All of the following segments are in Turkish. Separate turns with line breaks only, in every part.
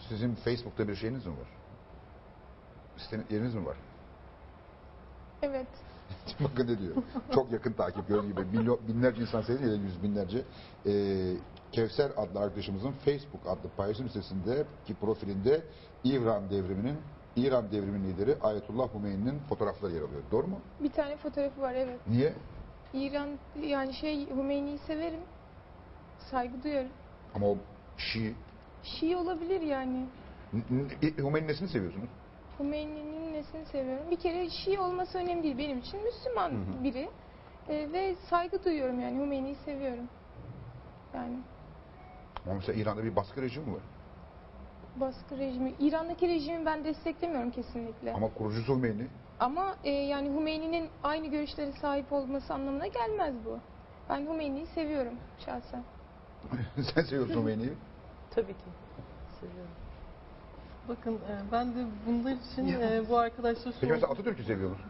Sizin Facebook'ta bir şeyiniz mi var? Yeriniz mi var?
Evet.
Bakın ne diyor. Çok yakın takip gördüğünüz gibi. Binlerce insan seyrediyor ya da yüz binlerce. Kevser adlı arkadaşımızın Facebook adlı paylaşım sitesindeki profilinde İran devriminin lideri Ayetullah Hümeyni'nin fotoğrafları yer alıyor. Doğru mu?
Bir tane fotoğrafı var, evet.
Niye?
İran, yani Hümeyni'yi severim. Saygı duyarım.
Ama o Şii.
Şii olabilir yani.
Hümeyni'nin nesini seviyorsunuz?
Hümeyni'nin nesini seviyorum? Bir kere Şii olması önemli değil. Benim için Müslüman biri. Ve saygı duyuyorum yani. Hümeyni'yi seviyorum. Yani
Ama mesela İran'da bir baskı rejimi var.
baskı rejimi. İran'daki rejimi ben desteklemiyorum kesinlikle.
Ama kurucusu Hümeyni.
Ama yani Hümeyni'nin aynı görüşlere sahip olması anlamına gelmez bu. Ben Hümeyni'yi seviyorum şahsen.
Sen seviyorsun Hümeyni'yi.
Tabii ki. Seviyorum. Bakın ben de bunlar için bu arkadaşlar
Peki mesela Atatürk'ü seviyor musun?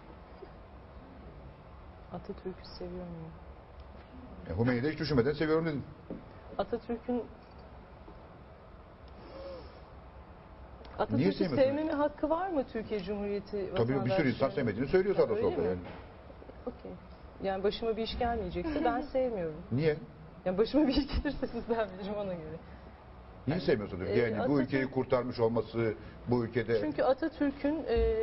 Atatürk'ü seviyor muyum?
Hümeyni'yi de hiç düşünmeden seviyorum dedin.
Atatürk'ün
sevmiyorsun?
sevmeme hakkı var mı Türkiye Cumhuriyeti
Tabii bir sürü insan sevmediğini söylüyor sağda
Öyle
solda
mi?
yani.
Okey. Yani başıma bir iş gelmeyecekse ben sevmiyorum.
Niye?
Yani başıma bir iş gelirse sizden bilirim ona göre.
Niye sevmiyorsun? Yani bu ülkeyi kurtarmış olması, bu ülkede...
Çünkü Atatürk'ün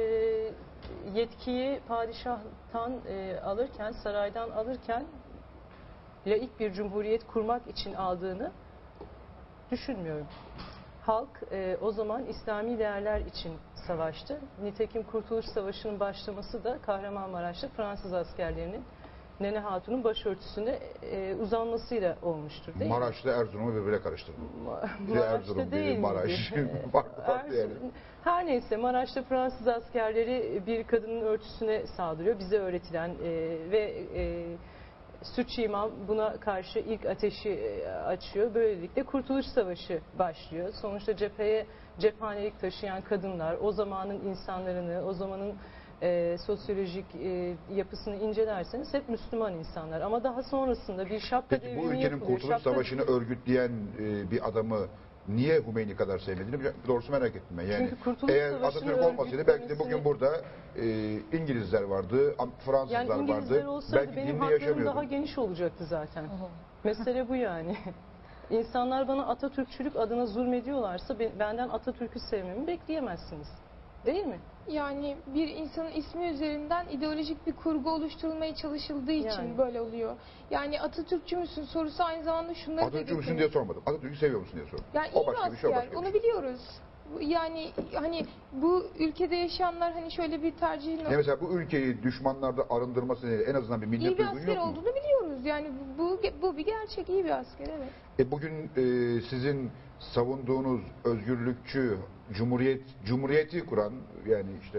yetkiyi padişahtan alırken, saraydan alırken laik bir cumhuriyet kurmak için aldığını düşünmüyorum. Halk o zaman İslami değerler için savaştı. Nitekim Kurtuluş Savaşı'nın başlaması da Kahramanmaraş'ta Fransız askerlerinin Nene Hatun'un başörtüsüne uzanmasıyla olmuştur değil mi?
Maraş'ta Erzurum'u birbirine karıştırdı. Biri
Maraş'ta
Erzurum,
değil
biri
miydi?
Maraş. farklı yani.
Her neyse Maraş'ta Fransız askerleri bir kadının örtüsüne saldırıyor. Bize öğretilen ve Sütçü İmam buna karşı ilk ateşi açıyor. Böylelikle Kurtuluş Savaşı başlıyor. Sonuçta cephanelik taşıyan kadınlar, o zamanın insanlarını, o zamanın sosyolojik yapısını incelerseniz hep Müslüman insanlar. Ama daha sonrasında bir şapka
Peki
devrimi
bu ülkenin
yapılıyor.
Kurtuluş Savaşı'nı örgütleyen bir adamı niye Hümeyni kadar sevmediğini doğrusu merak ettim ben. Yani
Çünkü Kurtuluş
eğer
Savaşı'nı
Atatürk olmasaydı belki de bugün
örgütlemesini-
burada İngilizler vardı, Fransızlar
Yani İngilizler
vardı.
olsaydı
Belki
benim
dinde
haklarım
yaşamıyordum.
daha geniş olacaktı zaten. Mesele bu yani. İnsanlar bana Atatürkçülük adına zulmediyorlarsa benden Atatürk'ü sevmemi bekleyemezsiniz. Değil mi?
Yani bir insanın ismi üzerinden ideolojik bir kurgu oluşturulmaya çalışıldığı için
Yani.
böyle oluyor. Yani Atatürkçü müsün sorusu aynı zamanda şunları da
Atatürk'ü müsün
getiriyor.
diye sormadım. Atatürk'ü seviyor musun diye sordum.
Yani
O
iyi bir
başka bir şey, o
asker,
başka bir
onu
şey.
biliyoruz. Yani hani bu ülkede yaşayanlar hani şöyle bir tercihin
Yani mesela bu ülkeyi düşmanlarda arındırması en azından bir millet
iyi bir
duygun
asker
yok mu?
olduğunu biliyoruz. Yani bu bir gerçek, iyi bir asker, evet.
Bugün sizin savunduğunuz özgürlükçü, cumhuriyeti kuran yani işte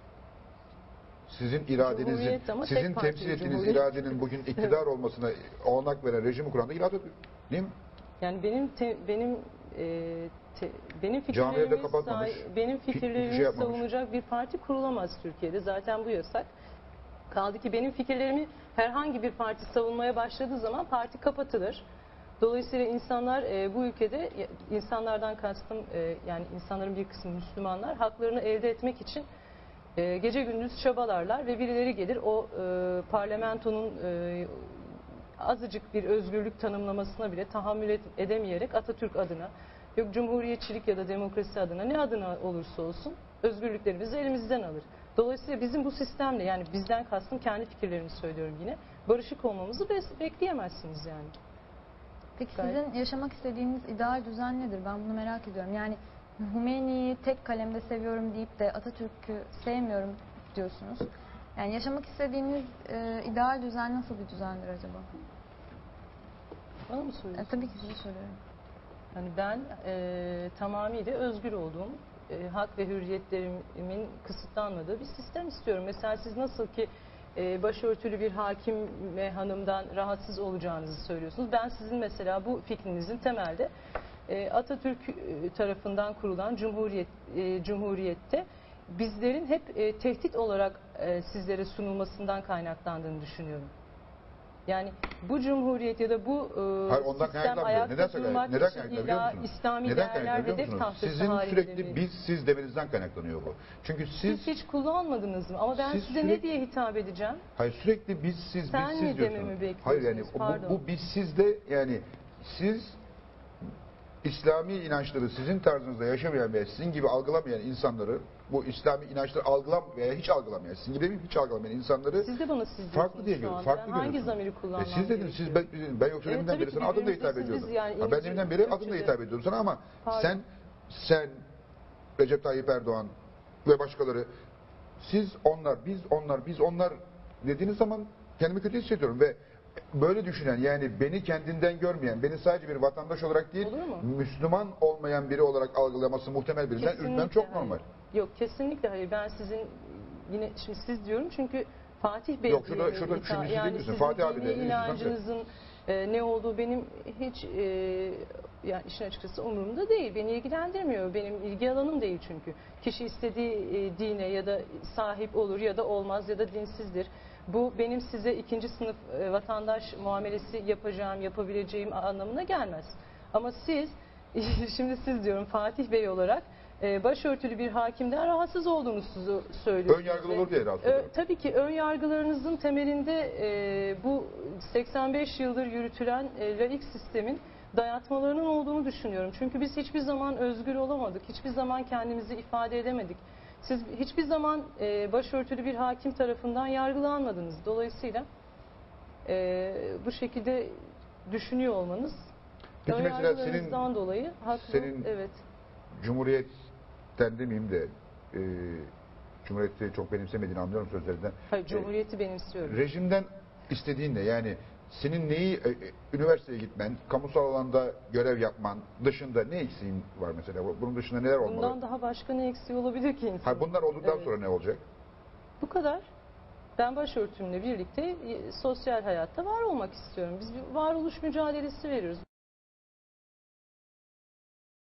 sizin iradenizin,
Cumhuriyet ama
sizin
tek partili
temsil ettiğiniz
cumhuriyet.
iradenin bugün iktidar olmasına olanak veren rejimi kuran da yine Atatürk. Değil mi?
Yani benim
Camileri de
fikirlerimi
kapatmamış.
benim
Hiçbir
fikirlerimi
şey yapmamış.
savunacak bir parti kurulamaz Türkiye'de. Zaten bu yasak. Kaldı ki benim fikirlerimi herhangi bir parti savunmaya başladığı zaman parti kapatılır. Dolayısıyla insanlar bu ülkede, insanlardan kastım yani insanların bir kısmı Müslümanlar, haklarını elde etmek için gece gündüz çabalarlar ve birileri gelir o parlamentonun azıcık bir özgürlük tanımlamasına bile tahammül edemeyerek Atatürk adına, yok cumhuriyetçilik ya da demokrasi adına, ne adına olursa olsun özgürlüklerimizi elimizden alır. Dolayısıyla bizim bu sistemle, yani bizden kastım kendi fikirlerimi söylüyorum yine, barışık olmamızı bekleyemezsiniz yani.
Peki
Gayet.
sizin yaşamak istediğiniz ideal düzen nedir? Ben bunu merak ediyorum. Yani Hümeyni'yi tek kalemde seviyorum deyip de Atatürk'ü sevmiyorum diyorsunuz. Yani yaşamak istediğiniz ideal düzen nasıl bir düzendir acaba?
Bana mı soruyorsunuz?
Tabii ki size soruyorum.
Yani ben tamamıyla özgür olduğum, hak ve hürriyetlerimin kısıtlanmadığı bir sistem istiyorum. Mesela siz nasıl ki başörtülü bir hakim ve hanımdan rahatsız olacağınızı söylüyorsunuz. Ben sizin mesela bu fikrinizin temelde Atatürk tarafından kurulan cumhuriyette bizlerin hep tehdit olarak sizlere sunulmasından kaynaklandığını düşünüyorum. Yani bu cumhuriyet ya da bu
Hayır, ondan
sistem
kaynaklanmıyor.
ayakta
Neden
durmak
neden
için
kaynaklanıyor
illa
biliyor musunuz?
İslami
Neden
değerler
kaynaklanıyor
ve
biliyor
hedef
musunuz?
tahtası
Sizin
halinde
sürekli
mi?
biz siz demenizden kaynaklanıyor bu. Çünkü siz
Siz hiç kullanmadınız mı? Ama ben
Siz
size ne
sürekli-
diye hitap edeceğim?
hayır sürekli biz siz
Sen
biz
mi
siz
dememi
diyorsunuz.
bekliyorsunuz?
Hayır yani
Pardon.
bu biz sizde yani siz İslami inançları sizin tarzınızda yaşamayan ve sizin gibi algılamayan insanları, bu İslami inançları veya hiç algılamayan, sizin gibi demeyeyim, hiç algılamayan insanları
Siz de bana siz
farklı diye
diyorsunuz şu
görüyorsunuz.
anda.
Farklı
Ben hangi
görüyorsunuz.
zamiri kullanmam
Siz dediniz, siz
gerekiyor?
ben yoksa
Evet,
deminden
tabii
beri
ki
sana adımla
birbirimize
hitap
siz
ediyordum.
biz yani
Ha, ben deminden beri adımla
Türkçe'de.
hitap ediyorum sana ama
Pardon.
sen Recep Tayyip Erdoğan ve başkaları siz biz onlar dediğiniz zaman kendimi kötü hissediyorum ve böyle düşünen yani beni kendinden görmeyen, beni sadece bir vatandaş olarak değil,
Olur mu?
Müslüman olmayan biri olarak algılaması muhtemel birinden
Kesinlikle
ürkmem çok
hayır.
normal.
Yok kesinlikle hayır. Ben sizin yine şimdi siz diyorum çünkü Fatih Bey
Yok, şurada
diye
şunu
hitap-
siz
yani
değil misin?
sizin
Fatih abi
dini
de değil misin?
inancınızın ne olduğu benim hiç yani işin açıkçası umurumda değil. Beni ilgilendirmiyor. Benim ilgi alanım değil çünkü. Kişi istediği dine ya da sahip olur ya da olmaz ya da dinsizdir. Bu benim size ikinci sınıf vatandaş muamelesi yapabileceğim anlamına gelmez. Ama siz, şimdi siz diyorum Fatih Bey olarak başörtülü bir hakimden rahatsız olduğunuzu söylüyorsunuz.
Ön yargılı olur diye rahatsız oluyorum.
Tabii ki ön yargılarınızın temelinde bu 85 yıldır yürütülen laik sistemin dayatmalarının olduğunu düşünüyorum. Çünkü biz hiçbir zaman özgür olamadık. Hiçbir zaman kendimizi ifade edemedik. Siz hiçbir zaman başörtülü bir hakim tarafından yargılanmadınız. Dolayısıyla bu şekilde düşünüyor olmanız
Peki
ön
mesela
yargılarınızdan dolayı haklı.
senin-
Evet.
Cumhuriyet'ten demeyeyim de Cumhuriyet'i çok benimsemediğini anlıyorum sözlerinden.
Hayır, Cumhuriyeti benimsiyorum.
Rejimden istediğin ne? Yani senin neyi üniversiteye gitmen, kamusal alanda görev yapman dışında ne eksiğin var mesela? Bunun dışında neler olmalı?
Bundan daha başka ne eksiği olabilir ki insan?
Ha, bunlar olduktan
Evet.
sonra ne olacak?
Bu kadar. Ben başörtümle birlikte sosyal hayatta var olmak istiyorum. Biz bir varoluş mücadelesi veriyoruz.